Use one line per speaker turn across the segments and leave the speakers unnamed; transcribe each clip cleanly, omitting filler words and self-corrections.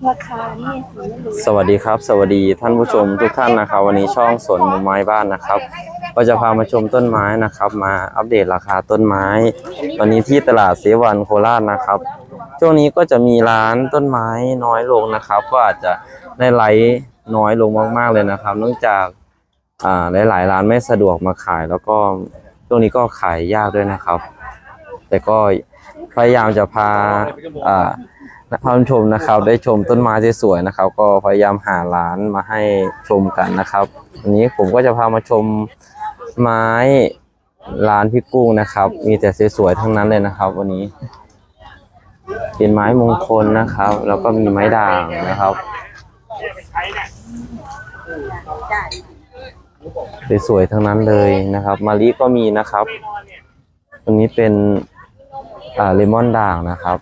ราคานี่ไม่รู้
สวัสดีครับสวัสดีท่านผู้ชมทุกท่านนะครับวันนี้ช่องสวนมุมไม้บ้านนะครับก็จะพามาชมต้นไม้นะครับมาอัปเดตราคาต้นไม้วันนี้ที่ตลาดเสวันโคราชนะครับช่วงนี้ก็จะมีร้านต้นไม้น้อยลงนะครับก็อาจจะได้ไลฟ์น้อยลงมากๆเลยนะครับเนื่องจากหลายๆร้านไม่สะดวกมาขายแล้วก็ช่วงนี้ก็ขายยากด้วยนะครับแต่ก็พยายามจะพาท่านผู้ชมนะครับได้ชมต้นไม้สวยๆนะครับก็พยายามหาร้านมาให้ชมกันนะครับวันนี้ผมก็จะพามาชมไม้ร้านพี่กุ้งนะครับมีแต่สวยๆทั้งนั้นเลยนะครับวันนี้เป็นไม้มงคลนะครับแล้วก็มีไม้ด่างนะครับสวยๆทั้งนั้นเลยนะครับมะลิก็มีนะครับตรงนี้เป็นเลมอนด่างนะครับ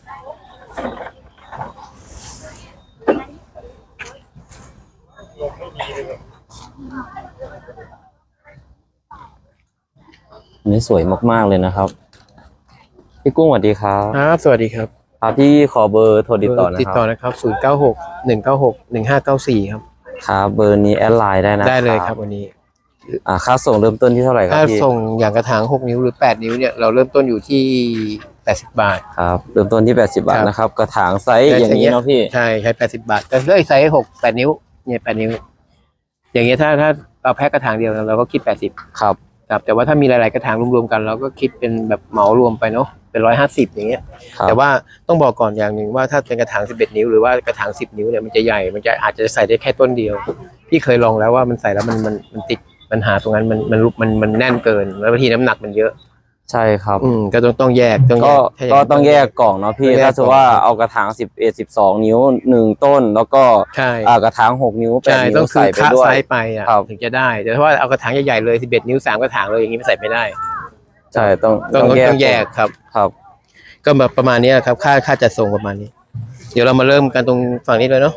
อันนี้สวยมากๆเลยนะครับพี่กุ้งสวัสดีครับ
ครับสวัสดีครับ
พี่ขอเบอร์โทรติดต่อนะครับ
ติดต่อนะครับ0961961594ครับ
ครับเบอร์นี้แอดไลน์ได้นะ
ได้เลยครับวันนี้
ค่าส่งเริ่มต้นที่เท่าไหร่ครับ
ถ้า
พี่
ส่งอย่างกระถาง6นิ้วหรือ8นิ้วเนี่ยเราเริ่มต้นอยู่ที่80 บาท
ครับเริ่มต้นที่80 บาทนะครับกระถางไซส์อย่างนี้เนาะพี่
ใช่80 บาทแต่ถ้าไซส์8นิ้วเนี่ย8นิ้วอย่างเงี้ยถ้าเราแพ็คกระถางเดียวเราก็คิด80
ครับ
แต่ว่าถ้ามีหลายๆกระถางรวมๆกันเราก็คิดเป็นแบบเหมารวมไปเนาะเป็น150อย่างเงี้ยแต่ว่าต้องบอกก่อนอย่างหนึ่งว่าถ้าเป็นกระถาง11นิ้วหรือว่ากระถาง10นิ้วเนี่ยมันจะใหญ่มันจะอาจจะใส่ได้แค่ต้นเดียวพี่เคยลองแล้วว่ามันใส่แล้วมันติดปัญหาตรงนั้นมันแน่นเกินแล้วบางทีน้ำหนักมันเยอะ
ใช่ครับ
ก็ต้องแยก
ก็ต้องแยกกล่องเนาะพี่ถ้าสมมติว่าเอากระถาง11-12 นิ้ว1ต้นแล้วก็กระถาง6นิ้ว8นิ้ว
ใส่ไปด้วยไซส์ไปถึงจะได้แต่ถ้าว่าเอากระถางใหญ่ๆเลย11นิ้ว3กระถางเลยอย่างนี้ไม่ใส่ไม่ได้
ใช่ต้อง
แยกครับก็แบบประมาณนี้ครับค่าจัดส่งประมาณนี้เดี๋ยวเรามาเริ่มกันตรงฝั่งนี้เลยเนาะ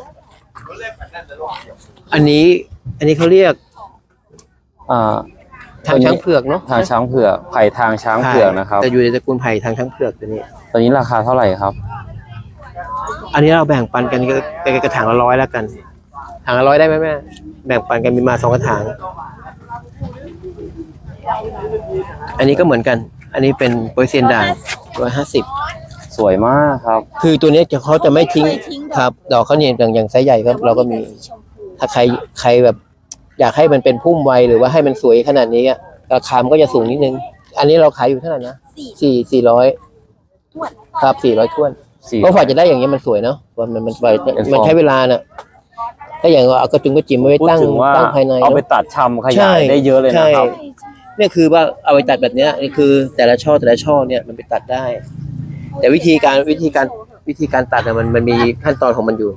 อันนี้เขาเรียกทางช้างเผือกเนาะ
ทางช้างเผือกไผ่ทางช้างเผือกนะครับ
แต่อยู่ในตระกูลไผ่ทางช้างเผือกตัว
นี้ราคาเท่าไหร่ครับ
อันนี้เราแบ่งปันกันกระถางละ100แล้วกันถางละ100ได้ไหมแม่แบ่งปันกันมีมา2กระถางอันนี้ก็เหมือนกันอันนี้เป็นโปรเซียนด่าง150
สวยมากครับ
คือตัวนี้เขาจะไม่ทิ้งครับดอกเขาเนี่ยอย่างไซส์ใหญ่ครับเราก็มีถ้าใครแบบอยากให้มันเป็นพุ่มไวหรือว่าให้มันสวยขนาดนี้ราคามันก็จะสูงนิดนึงอันนี้เราขายอยู่เท่าไหร่นะ400ครับ400ถ้วนก็ฝ่ายจะได้อย่างนี้มันสวยเนาะมันใช้เวลาน่ะถ้าอย่างเอากระจุงกระจิ๋มไว้ตั้งภายใน
เอาไปตัดชำขยายได้เยอะเลยนะครับ
เนี่ยคือว่าเอาไปตัดแบบนี้นี่คือแต่ละช่อเนี่ยมันไปตัดได้แต่วิธีการตัดเนี่ยมันมีขั้นตอนของมันอยู่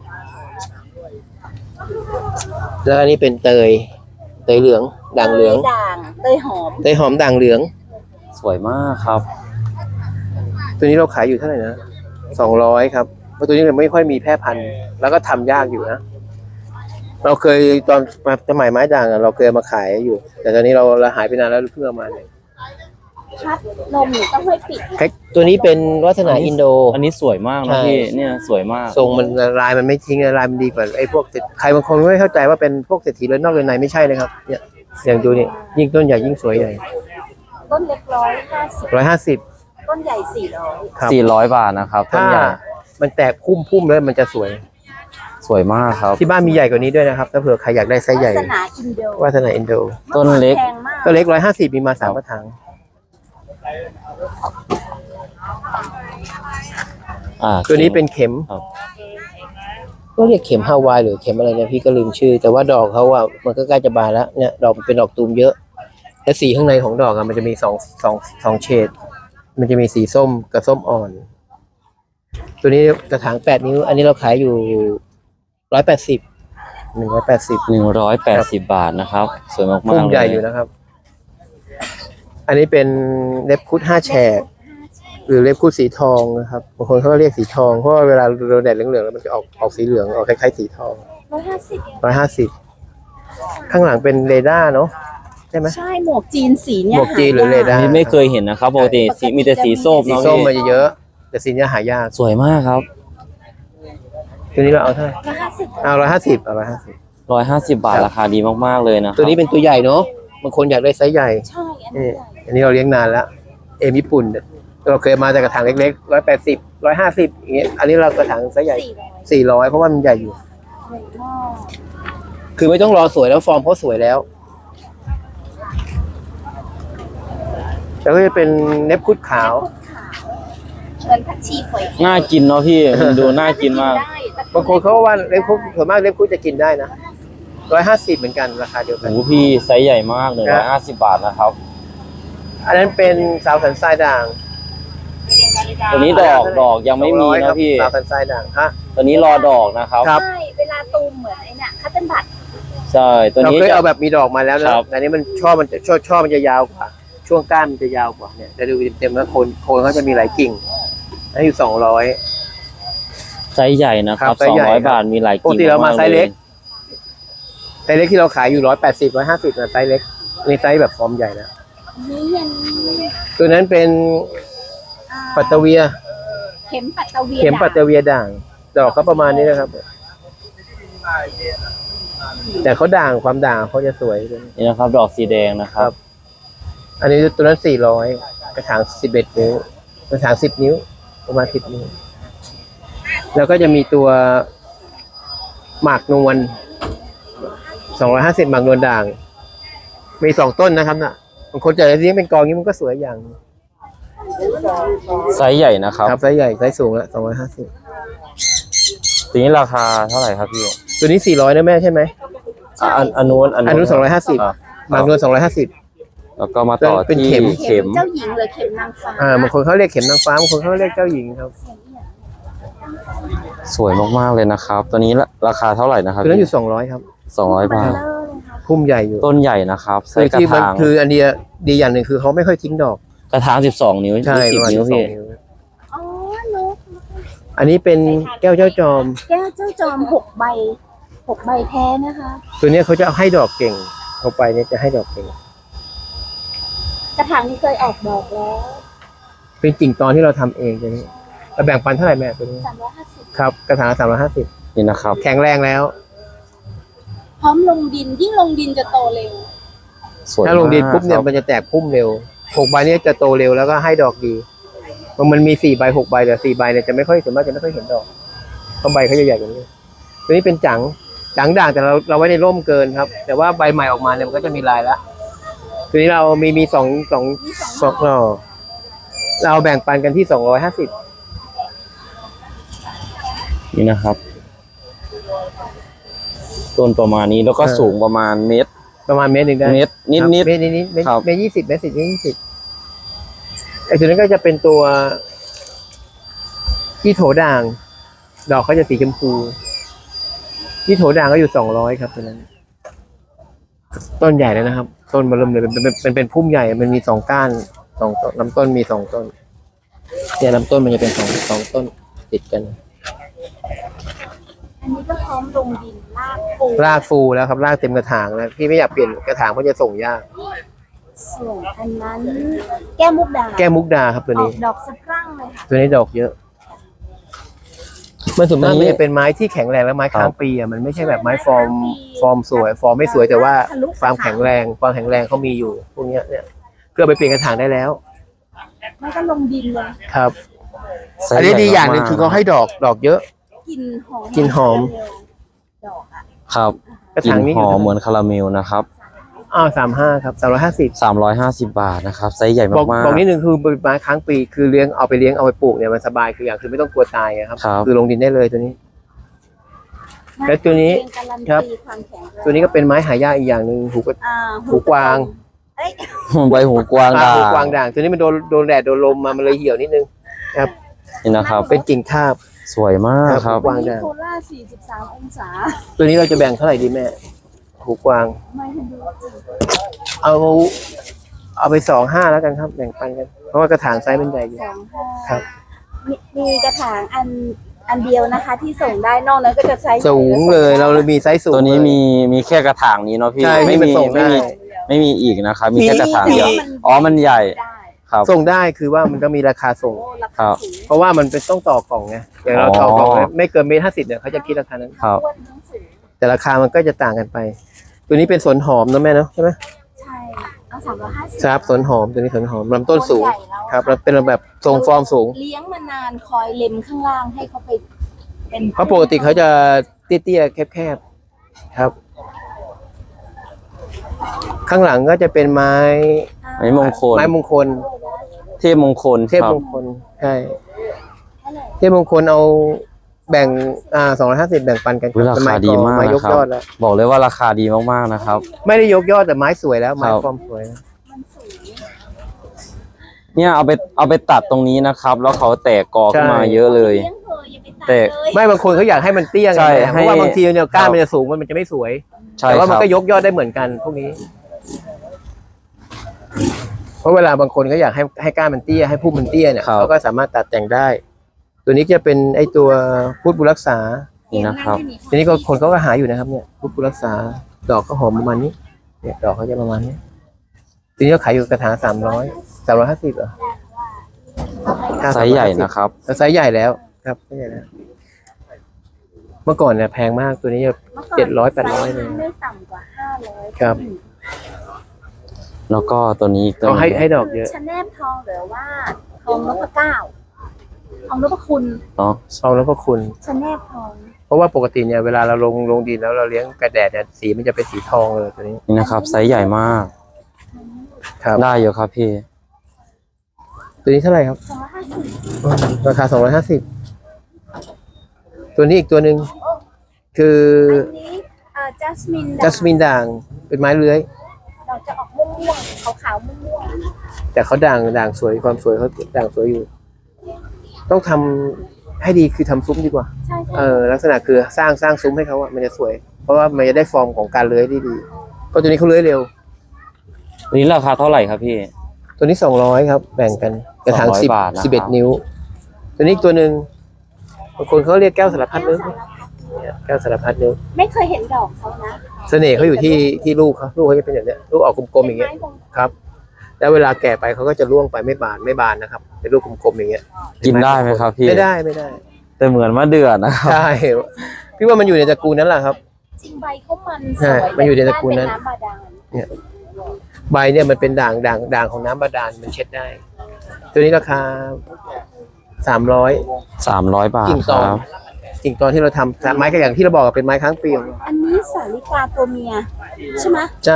แล้วอันนี้เป็นเตยเหลืองด่างเหลือง
เตยหอม
ด่างเหลือง
สวยมากครับ
ตัวนี้เราขายอยู่เท่าไหร่นะ200ครับเพราะตัวนี้มันไม่ค่อยมีแพร่พันธุ์แล้วก็ทำยากอยู่นะเราเคยตอนสมัยไม้ด่างเราเคยมาขายอยู่แต่ตอนนี้เราหายไปนานแล้วเพิ่งเอามาเนี่ย
พัดลมต้องให้ปิด
ตัวนี้เป็นวัฒนาอินโด
อันนี้สวยมากนะพี่เนี่ยสวยมาก
ทรงมันลายมันไม่ทิ้งลายมันดีกว่าไอ้พวกใครบางคนไม่เข้าใจว่าเป็นพวกเศรษฐีเลยนอกเลยในไม่ใช่เลยครับเนี่ยอย่างดูนี่ยิ่งต้นใหญ่ยิ่งสวยใหญ่
ต้นเล็ก150ต้นใหญ่
400 บาทนะครับต้นใหญ่
มันแตกพุ่มแล้วมันจะสวย
มากครับ
ที่บ้านมีใหญ่กว่านี้ด้วยนะครับถ้าเผื่อใครอยากได้ไซส์ใหญ่วาสนาอินโด
ต้นเล็ก
150มีมา3กระถางตัวนี้เป็นเข็มก็เรียกเข็มฮาวายหรือเข็มอะไรเนี่ยพี่ก็ลืมชื่อแต่ว่าดอกเขามันก็ใกล้จะบานแล้วเนี่ยดอกมันเป็นดอกตูมเยอะและสีข้างในของดอกมันจะมี2เฉดมันจะมีสีส้มกับส้มอ่อนตัวนี้กระถาง8นิ้วอันนี้เราขายอยู่180
บาทนะครับสวยมากๆ
พุ่มใหญ่อยู่นะครับอันนี้เป็นเล็บคุด5แฉกหรือเล็บคุดสีทองนะครับบางคนเขาเรียกสีทองเพราะว่าเวลาโดนแดดเหลืองๆแล้วมันจะออกสีเหลืองออกคล้ายๆสีทอง150ข้างหลังเป็นเรดาร์เนาะใช่ไหม
ใช่หมวกจีนสีเนี่ย
หมวกจีนหรือเรดาร์
นี่ไม่เคยเห็นนะครับปกติมีแต่สีส้ม
เนาะสีส้มมันจะเยอะแต่สีนี้หายาก
สวยมากครับ
ตัวนี้เราเอาเท่าไหร่
150
เอา150เอา150
150 บาทราคาดีมากๆเลยนะ
ตัวนี้เป็นตัวใหญ่เนาะบางคนอยากได้ไซส์ใหญ่
ใช่อันนี้
นี่อันนี้เราเลี้ยงนานแล้วญี่ปุ่นเราเคยมาจากกระถางเล็กๆ180 150อย่างเงี้ยอันนี้เรากระถางไซส์ใหญ่400เพราะว่ามันใหญ่อยู่
ใหญ่มาก
คือไม่ต้องรอสวยแล้วฟอร์มเขาสวยแล้วแล้วก็จะเป็นเน็บคุดขาว
เหมือนผักชีฝอย
น่ากินเนาะพี่ มันดูน่ากินมาก
ได้แต่
บางคนเขาว่าเล็บคุดส่วนมากเล็บคุดจะกินได้นะ150เหมือนกันราคาเดียวกัน
โอ้โหพี่ไซส์ใหญ่มากเลย150 บาทนะครับ
อันนั้นเป็นสาวสันทรายด่าง
ตัวนี้ดอกยังไม่มีนะพี่
สาวสันทรายด่างฮะ
ตัวนี้รอดอกนะครับ
ครับ
ใช่เวลาตูมเหมือนไอ้เนี่ยคัตเติ้ลบัต
ใช่ตัว
เรา
นี้
เคย
จะ
เอาแบบมีดอกมาแล้วนะครับ อันนี้มันช่อมันจะยาวกว่าช่วงก้านมันจะยาวกว่าเนี่ยจะดูเต็มๆแล้วโคนเขาจะมีหลายกิ่งอันนี้อยู่200
ไซส์ใหญ่นะครับ
ครับไซส์ใหญ่ครับ
200 บาทมีหลาย
ปก
กิ่ง
ติเรามาไซส์เล็ก
ย
ไซส์เล็กที่เราขายอยู่180 150นะไซส์เล็กนี่ไซส์แบบฟอร์มใหญ่นะ
อันนี้ยัง
ตัวนั้นเป็นปัตเตเวีย
เข็มปัตตะเวีย
เข็มปัตเตเวียด่างดอกเขาประมาณนี้นะครับ แต่เขาด่างความด่างเขาจะสวยเลย
นี่นะครับ ดอกสีแดงนะครับ
ครับ อันนี้ตัวนั้น400กระถาง11 นิ้วกระถาง10 นิ้วประมาณ10 นิ้วแล้วก็จะมีตัวหมากนวล250หมากนวลด่าง มี2 ต้นนะครับน่ะบางคนจะเลี้ยงเป็นกองนี้มันก็สวยอย่าง
ไซส์ใหญ่นะครับ
ครับไซส์ใหญ่ไซส์สูงละ250
ตัวนี้ราคาเท่าไหร่ครับพี่
ตัวนี้400นะแม่ใช่ไหม
อันนู้น
อันนู้น250
อ่ะ
หมากนวล250
แล้วก็มาต่อ
เป็น
ที่
เข็ม
เข็ม
เจ้าหญิงหรือเข็มนางฟ้า
บางคนเขาเรียกเข็มนางฟ้าบางคนเขาเรียกเจ้าหญิงครับ
สวยมากๆเลยนะครับ ตัวนี้ราคาเท่าไหร่นะครับ
ตัวนั้นอยู่200ครับ
200 บาท
เบลอเลยค่ะ
พุ่มใหญ่อยู่
ต้นใหญ่นะครับไซ
คือ
ส์กระ
ที่มัน
ถาง
คืออันเดียดีอย่างหนึ่งคือเขาไม่ค่อยทิ้งดอก
กระถาง12 นิ้ว
ใช่ประมาณ
20 นิ้ว
12
พี่
นิ้ว
อ๋อนก
อันนี้เป็นแก้วเจ้าจอม
แก้วเจ้าจอม6 ใบ 6 ใบแท้นะคะ
ตัวเนี้ยเขาจะให้ดอกเก่งเข้าไปเนี่ยจะให้ดอกเก่ง
กระถางนี้เคยออกดอกแล้ว
เป็นกิ่งตอนที่เราทำเองตัวนี้เราแบ่งปันเท่าไหร่แม่ตัวนี้
350
ครับกระถาง350
นี่นะครับ
แข็งแรงแล้ว
พร้อมลงดินยิ่งลงดินจะโตเร็ว
สวย
ถ้าลงดินปุ๊บเนี่ย
มาก
มันจะแตกพุ่มเร็ว6 ใบเนี่ยจะโตเร็วแล้วก็ให้ดอกดีมันมี4 ใบ 6 ใบแต่4 ใบเนี่ยจะไม่ค่อยส่วนมากจะไม่ค่อยเห็นดอกเพราะใบเขาจะใหญ่กว่านี้ตัวนี้เป็นจังด่างแต่เราไว้ในร่มเกินครับ แต่ว่าใบใหม่ออกมาเนี่ยมันก็จะมีลายแล้วตัวนี้เรามีสองหน่อเราแบ่งปันกันที่250
นี่นะครับ ต้นประมาณนี้แล้วก็สูงประมาณเมตร
ประมาณเมตรหนึ่งได้
เมตรนิด
ครับ
นิด
เมตรนิด
ครับ
เมตร20 เมตร 10 เมตร 20ไอ้ตัวนั้นก็จะเป็นตัวที่โถด่าง ดอกเขาจะสีชมพูที่โถด่างก็อยู่200ครับตัวนั้น ต้นใหญ่แล้วนะครับ ต้นมาเริ่มเลยเป็นพุ่มใหญ่มันมี2 ก้าน2 ต้นลำต้นมี2 ต้นเนี่ยลำต้นมันจะเป็นสองต้นติดกัน
อันนี้ก็พร้อมลงดินลากปู
รากฟูแล้วครับรากเต็มกระถางแล้วพี่ไม่อยากเปลี่ยนกระถางเพราะจะส่งยาก
ส่วนอันนั้น แก้วมุกดา
แก้มุกดาครับตัว
ออ
นี้
กดอกสะพรั่งเลยค่ะ
ตัวนี้ดอกเยอะ มันส่วนมากมันจะเป็นไม้ที่แข็งแรงและไม้ค้างปีอ่ะมันไม่ใช่แบบไม้ฟอร์มสวยฟอร์มไม่สวยแต่ว่าความแข็งแรงเขามีอยู่พวกเนี้ยเนี่ยเพื่อไปเปลี่ยนกระถางได้แล้ว
ไม่ก็ลงดินเลย
ครับ
ไซส์
อันนี้
ใหญ่
ดีอย่างหนึ่ง
มกๆ
คือเขาให้ดอกเยอะ
กลิ่นหอม
กลิ่นหอม
ดอกอ่ะ
ครับ
กระ
กลิ่
ถาง
น
นี้
หอมเหมือนคาราเมลนะครับ
35ครับ
350 บาทนะครับไซส์ใหญ่
บอก
มาก
บอกนิดนึงคือไม้ค้างปีคือเอาไปปลูกเนี่ยมันสบายคืออย่างคือไม่ต้องกลัวตายอะครับ
ครับ
คือลงดินได้เลยตัวนี้ แล้วตัวนี้
เป็นการัน
ครับ
ตีความแข็งแรง
ตัวนี้ก็เป็นไม้หายากอีกอย่างหนึ่งหู หูกวาง
เอ้ย
ๆ ใบหูกวางด่าง
หูกวางด่างตัวนี้มันโดนแดดโดนลมมามันเลยเหี่ยวนิดนึงครับ
นี่นะครับ
เป็นกิ่งทาบ
สวยมากครับ
กวางด่าง
โคราช43 องศา
ตัวนี้เราจะแบ่งเท่าไหร่ดีแม่หูกวาง
ไม่ทันดูจริง
เอาไป25แล้วกันครับ แบ่งปันกันเพราะว่ากระถางไซส์มันใหญ่อยู่
25
ครับ
มีกระถางอันเดียวนะคะ ที่ส่งได้นอกนั้นก็จะไซส์
สูงเลยเราเลยมีไซส์สูง
ตัวนี้
เลย
มีแค่กระถางนี้เนาะพี่
ใช่
ไม่
ที่มัน
มี
ส่งได้
ไม่มีอีกนะครับ มีแค่กระถางเดียว
แต่
อ๋อมันใหญ่
ได้
ครับ
ส่งได้คือว่ามันก็มีราคาส่ง
โอ้รา
ครั
คา
บ
สูง
เพราะว่ามันเป็นต้องต่อกล่องไงอย่างเราต่อกล่องไม่เกิน1.50 เนี่ยเขาจะคิดราคานั้น
ครับ
อ้วนทั้งสูง
แต่ราคามันก็จะต่างกันไป ตัวนี้เป็นสนหอมนะแม่เนาะใช่ไหม
ใช่เอา350
ครับสนหอมตัวนี้สนหอมลำต้นสูง
ใหญ่แล้ว
ครับแล้วเป็นแบบทรงฟอร์มสูง
เลี้ยงมานานคอยเล็มข้างล่างให้เขาไปเป็น
เพราะปกติเขาจะเตี้ยๆแคบๆครับ ข้างหลังก็จะเป็นไม้
ไม้มงคล
ไม้มงคล
เทพมงคล
เทพ
ครับ
มงคลใช่เทพมงคลเอาแบ่ง250แบ่งปันกัน
อุ๊ยราคาดีมาก
ไม้ย
นะ
ก
ครับ
ยอดแล้ว
บอกเลยว่าราคาดีมากๆนะครับ
ไม่ได้ยกยอดแต่ไม้สวยแล้วไม้
ครับ
ฟอร์มสวยนะ
มันสูง
เนี่ยเอาไปตัดตรงนี้นะครับ แล้วเขาแตกกอขึ้นมาเยอะเลย
เลี้ยงเถอะอย่าไปตัด
แต่
เลย
ไม่บางคนเขาอยากให้มันเตี้ยไง
ใช่
เพราะว่า
ให้
บางทีเนี่ยก้าน
ครับ
มันจะสูงมันจะไม่สวย
ใช่
แต่ว่า
ค
มัน
รับ
ก็ยกยอดได้เหมือนกันพวกนี้ เพราะเวลาบางคนก็อยากให้ก้านมันเตี้ยให้พุ่มมันเตี้ยเนี่ย
ครับ
เขาก็สามารถตัดแต่งได้ ตัวนี้จะเป็นไอตัวพุทธบุญรักษา
นี่นะครับ
ทีนี้ก็คนเขาก็หาอยู่นะครับเนี่ยพุทธบุญรักษา ดอกก็หอมประมาณนี้ เนี่ยดอกเขาจะประมาณนี้ทีนี้ก็ขายอยู่กระถาง350เหรอ
ไซส์ใหญ่นะครับ
ไซส์ใหญ่แล้วครับไซส์ใหญ่แล้ว เมื่อก่อนเนี่ยแพงมากตัวนี้
มื่อก่อน
700-800เลย
ไม่ต่ำกว่า500
ครับ
แล้วก็ตัวนี้อีกตัว
เขา
ห
ให้
นึง
ให้ดอกเยอะ
ชะแนมทองหรือว่าทองนพเก้าทองนพคุณ
เนาะ
ทองแล้วก็คุณ
ชะแนมทอง
เพราะว่าปกติเนี่ยเวลาเราลงดินแล้วเราเลี้ยงกระแดดเนี่ยสีมันจะเป็นสีทองเลยตัวนี้
นี่นะครับไซส์ใหญ่มาก
ครับ
ได้อยู่ครับพี่
ตัวนี้เท่าไหร่ครับ
250
ราคา250ตัวนี้อีกตัวหนึ่งคือ
อันนี้จัสมิน
จัสมินด่างเป็นไม้เลื้อย
เราจะออกม่วงๆขาวๆม่วง
แต่เขาด่างสวยความสวยเขาด่างสวยอยู่ ต้องทำให้ดีคือทำซุ้มดีกว่า
ๆใช่
ลักษณะคือสร้างซุ้มให้เขาอะมันจะสวย เพราะว่ามันจะได้ฟอร์มของการเลื้อยที่ดีเพราะตัวนี้เขาเลื้อยเร็ว
ตัวนี้ราคาเท่าไหร่ครับพี่
ตัวนี้200ครับแบ่งกันกระถาง
200บาทนะครับ
11 นิ้ว ตัวนี้อีกตัวหนึ่งบางคนเขาเรียกแก้วสารพัดนึกแก้วสารพัดนึก
ไม่เคยเห็นดอกเขานะ
เสน่ห์เขาอยู่ที่ลูกเขาจะเป็นอย่างเนี้ยลูกออกกลมๆอย่างเงี้ย
ป็นไม้มงคล
ครับ แล้วเวลาแก่ไปเขาก็จะร่วงไปไม่บานนะครับเป็นลูกกลมๆอย่างเงี้ย
กินได้ไหมครับพี่
ไม่ได้
แต่เหมือนมะเดื่อนะครับ
ใช่พี่ว่ามันอยู่ในตระกูลนั้นแหละครับ
จริงใบเขามันส
ใช่
วย
มันอยู่ในตระกูลนั้น
เป็ำบาดาล
ใบเนี่ยมันเป็นด่างของน้ำบาดาลมันเช็ดได้ ตัวนี้ราคา300
300 บาท
กิ่ง
ค
ตอ
รั
น
บ
กิ่งตอนที่เราทำไม้ก็อย่างที่เราบอกอะเป็นไม้ค้างปีของเรา
อันนี้สาลิกาตัวเมียใช่ไหม
ใช่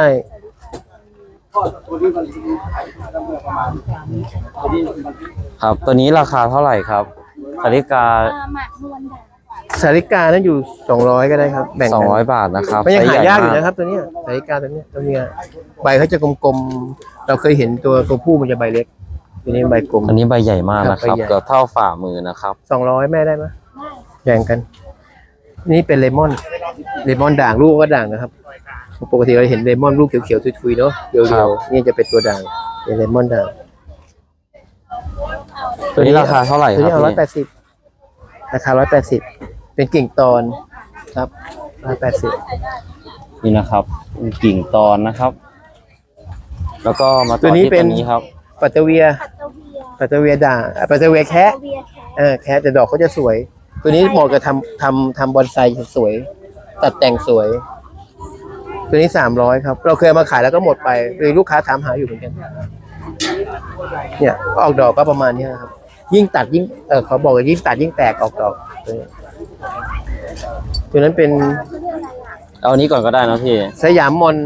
ครับ ตัวนี้ราคาเท่าไหร่ครับสาริกา
หมากนวลด่าง
สาริกานั้นอยู่200ก็ได้ครับแบ่งกัน
200 บาทนะครับ
มันยัง
ไซส์
หา
ใญ่
ยากอยู่
ม
นะครับตัวเนี้ยสาริกาตัวเนี้ยใบเขาจะกลมๆเราเคยเห็นตัวผู้มันจะใบเล็กตัวนี้ใบกลม
อันนี้ใบใหญ่มากนะครับ
ใบใหญ่
เกือบเท่าฝ่ามือนะครับ
200แม่ได้ไหม
ได้
แบ่งกัน นี่เป็นเลมอนด่างลูกก็ด่างนะครับปกติเราเห็นเลมอนลูกเขียวๆทุยๆเนาะเดี
ครั
ยว
บ
ๆนี่จะเป็นตัวด่างเป็นเลมอนด่าง
ตัวนี้ราคาเท่าไหร่
ตัว
ครั
นี้
บ
เอา
พี่
180ราคา180เป็นกิ่งตอนครับ180
นี่นะครับกิ่งตอนนะครับ แล้วก็มาต่อ
ตัวนี้
ที่
เป็
ตัวน นี้ครับ
ปัตเตอร์เวีย
ปัตเตอร์เวีย
ด่างปัตเตอร์เวียแคะ
ปัตเตอร์เวียแคท
แคะแต่ดอกเขาจะสวย ตัวนี้เหมาะกับทำบอนไซสวย ตัดแต่งสวย ตัวนี้300ครับ เราเคยเอามาขายแล้วก็หมดไปเลยลูกค้าถามหาอยู่เหมือนกัน เนี่ยก็ออกดอกก็ประมาณนี้นะครับ ยิ่งตัดยิ่งเขาบอกว่ายิ่งตัดยิ่งแตกออกดอกตัวนี้ตัวนั้นเป็น
เอาอันนี้ก่อนก็ได้นะพี่
สยามมอน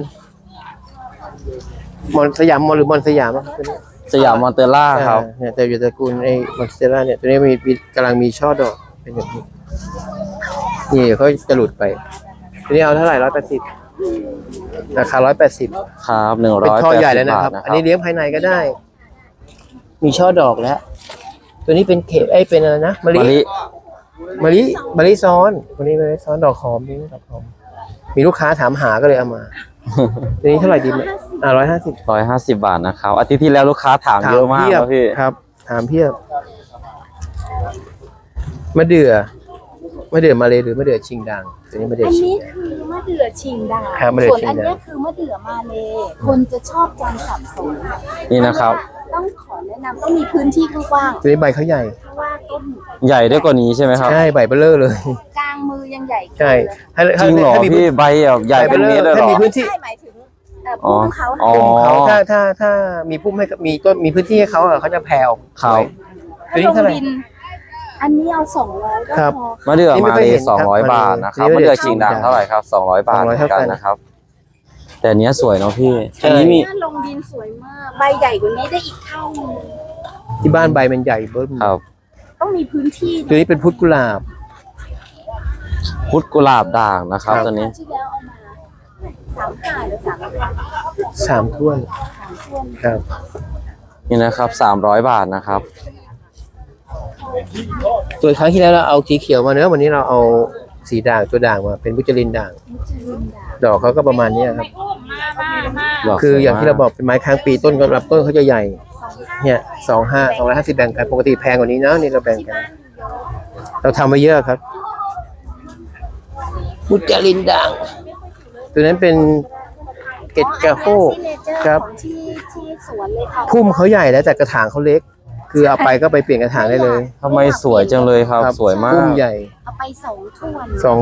สยามมอนหรือมอนสยามอะตัวนี้
สยามมอนเตอร่าครับ
เนี่ยแต่อยู่ตระกูลไอ้มอนสเตล่าเนี่ยตัวนี้กำลังมีช่อดอกเป็นอย่างนี้นี่เดี๋ยวเขาจะหลุดไปตัวนี้เอาเท่าไหร่180ราคา180
ครับ180
เป็นช่อใหญ่แล้วนะครับ
บาท
อันนี้เลี้ยงภายในก็ได้ มีช่อดอกแล้ว ตัวนี้เป็นเป็นอะไรนะมะ
มะ
ลิ
ลิ
มะลิซ้อนตัวนี้มะลิซ้อนดอกหอมนี่ดอกหอมมีลูกค้าถามหาก็เลยเอามาตัวนี้เท่าไหร่ดีไหม150
150 บาทนะครับอาทิตย์ที่แล้วลูกค้าถามเยอะมากครับพี่
ครับถามเพียบมะเดื่อมะเดื่อมาเลยหรือมะเดื่อชิงดังตัวนี้มะเดื่อ
อัน
ชิง
นี้
ดัง
คือมะเดื่อชิงดา
ครับมะเดื่อ
ส่วน
ชิงดา
อันเนี้ยคือมะเดื่อมาเลยคนจะชอบจำสับสน
นี่นะครับ
ต้องขอแนะนำต้องมีพื้นที่กว้าง
ตัวนี้ใบเขาใหญ่
เพราะว่าต้น
ใหญ่ได้กว่านี้ใช่ไหมครับ
ใช่ใบเบลเลอร์เลย
กลางมือยังใหญ่
ใช่ถ้า
จริงเหรอ
ถ้ามี
พี่ใบแบบใหญ่เป็นนี้เลยเหร
ถ้า
อ
มีพื้นที่
ใช่หมายถึงพุ่มเขา
อ๋อ
เขาถ้ามีพุ่มให้มีต้นมีพื้นที่ให้เขาอะเขาจะแผ่ออก
ครับ
ตัวนี้เท่าไหร่
อันนี้เอา200ก็
ครับ
พอ
มะเดื่อ
นี่ไม่
มา
ค่อย
เล
เห็นครับ
200 บาทนะครับ
นี่
มะ
มะเดื่
เดื่อ
อ
ชิงดัง
ชิงดัง
เท่าไหร่ครับ200 บาทเหมือนกัน
200
นะครับ แต่อันเนี้ยสวยเนาะพี่
ใช่
อันนี้มี
ถ้าลงดินสวยมาก ใบใหญ่กว่านี้ได้อีกเท่านึง
ที่บ้านใบมันใหญ่เบิ้ม
ครับ
ต้องมีพื้นที่
ตัวนี้เป็นพุทธกุหลาบ
พุทธกุหลาบด่างนะครับ
ครับ
ตัวนี้
ที่แล้วเอามา35หรือ3
3ถ้วน
ช่วง
ครับ
นี่นะครับ300 บาทนะครับ
ตัวครั้งที่แล้วเราเอาสีเขียวมาเนอะวันนี้เราเอาสีด่างตัวด่างมาเป็นบุจลินด่าง ดอกเขาก็ประมาณเนี้ยครับ
ดอก
คือ
สวย
อย่างที่
มาก
เราบอกเป็นไม้ค้างปีต้นก็รับต้นเขาจะใหญ่ เนี่ย250แบ่งกันปกติแพงกว่านี้นะนี่เราแบ่งกัน เราทำมาเยอะครับบุจลินด่าง ตัวนั้นเป็นเกตกาโฮ ครับ
ของที่สวนเลยค่ะ
พุ่มเขาใหญ่แล้วแต่กระถางเขาเล็ก คือเอาไปก็ไปเปลี่ยนกระถางได้เลย
ทำไมสวยจังเลยครับ สวยมา
พุ่
ก
มใหญ่
เอาไป2ถ้วน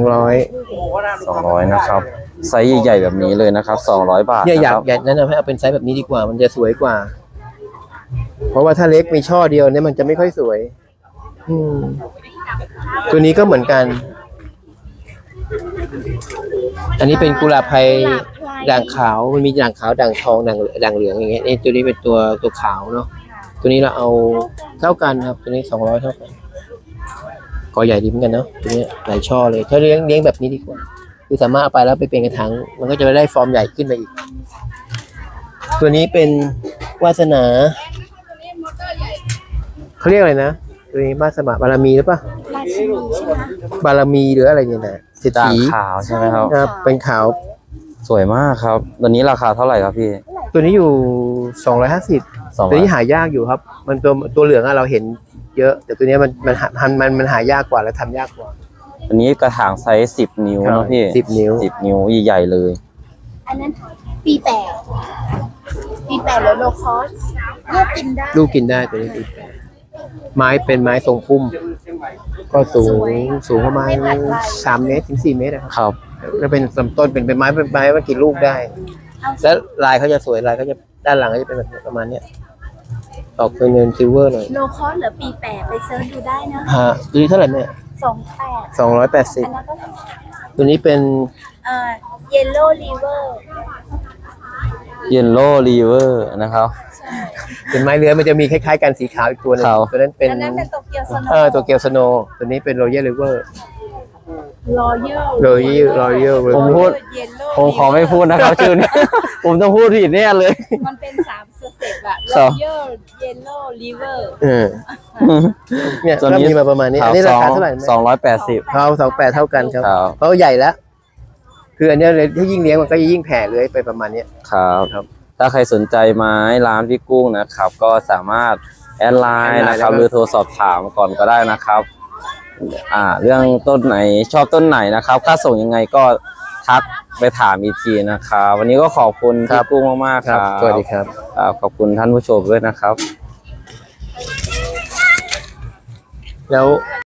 200
200นะครับไซส์ใหญ่ๆแบบนี้เลยนะครับ200 บาท
เนี่ย
นะ
อยา
ค
ก
รับ
อยากแนะนำให้เอาเป็นไซส์แบบนี้ดีกว่า มันจะสวยกว่า เพราะว่าถ้าเล็กมีช่อเดียวเนี่ยมันจะไม่ค่อยสวย อืมตัวนี้ก็เหมือนกัน อันนี้เป็นกุหลาบไพรด่างขาว มันมีด่างขาวด่างทองด่างเหลืองอย่างเงี้ยนี่ตัวนี้เป็นตัวขาวเนาะ ตัวนี้เราเอาเท่ากันครับ ตัวนี้200เท่ากันกอใหญ่ดีเหมือนกันเนาะตัวนี้หลายช่อเลย ถ้าเลี้ยงแบบนี้ดีกว่า คือสามารถเอาไปแล้วไปเปลี่ยนกระถาง มันก็จะได้ฟอร์มใหญ่ขึ้นไปอีก ตัวนี้เป็นวาสนา เขาเรียกอะไรนะ ตัวนี้วาสนาบารมีหรือเปล่า
ราชินีใช่ไหม
บารมีหรืออะไรเนี่ยนะเศรษ
ด่าง
ฐี
ขาวใช่ไหมครับ
ครับ เป็นขาว
สวยมากครับ ตัวนี้ราคาเท่าไหร่ครับพี่
ตัวนี้อยู่250ตัวนี้หายากอยู่ครับ มันตัวเหลืองอะเราเห็นเยอะ แต่ตัวนี้มันหายากกว่าและทำยากกว่า
อันนี้กระถางไซส์10 นิ้วเนาะพี่
10 นิ้ว
10 นิ้วใหญ่ๆเลย
อันนั้นปี8หรือโลคอสเลือกกินได้
ลูกกินได้ตัวนี้ดีไม้เป็นไม้ทรงพุ่ม ก็สูงประมาณ3 เมตรถึง 4 เมตรนะครับ
ครับ
แล้วเป็นลำต้นเป็นไม้ว่ากี่ลูกได้ แล้วลายเขาจะสวยลายเขาจะด้านหลังก็จะเป็นแบบประมาณเนี้ยออกเป็นเงินซิลเวอร์หน่อย
โลคอสเหรือปี8ไปเซิร์ชดูได้นะ
ฮะตัวนี้เท่าไหร่เนี่ย
28อันนั้นก็
280ตัวนี้เป็น
เยลโล่ลีเวอร์
เยลโล่รีเวอร์นะครับ
เป็นไม้เลื้อยมันจะมีคล้ายๆกันสีขาวอีกตัวหนึง
ขาว
ตัวนั้นเป็น
อันนั้นเป็นโตเกียวสโน
ตัวเกลสโนตัวนี้เป็นโรเยอร์ริเวอร์
รอยัล
โรเยอร์
ผมพูด ผมขอไม่พูดนะครับ ชื่อนี้ ผมต้องพูดผิดแน่เลย
มันเป็น3สเต็ปอะ
ครั
ร
บ
อยัลเยลโล่ลีเวอร์
เนี่ย
ตัว
ก็
นี้
มีมาประมาณนี้อันนี้ราคาเท่าไหร่ไหม
280
เขา28เท่ากันครับ
ครับ
เพราะใหญ่แล้ว คืออันเนี้ยเลยถ้ายิ่งเลี้ยงมันก็ยิ่งแผ่เลื้อยไปประมาณเนี้ย
ครับ
ครับ
ถ้าใครสนใจไม้ร้านพี่กุ้งนะครับ ก็สามารถแอดไลน์นะครับ หรือโทรสอบถามก่อนก็ได้นะครับ เรื่องต้นไหนชอบต้นไหนนะครับ ค่าส่งยังไงก็ทักไปถามอีกทีนะครับ วันนี้ก็ขอบคุณพี่กุ้งมากๆครับ
สวัสดีครับ
ขอบคุณท่านผู้ชมด้วยนะครับ
แล้ว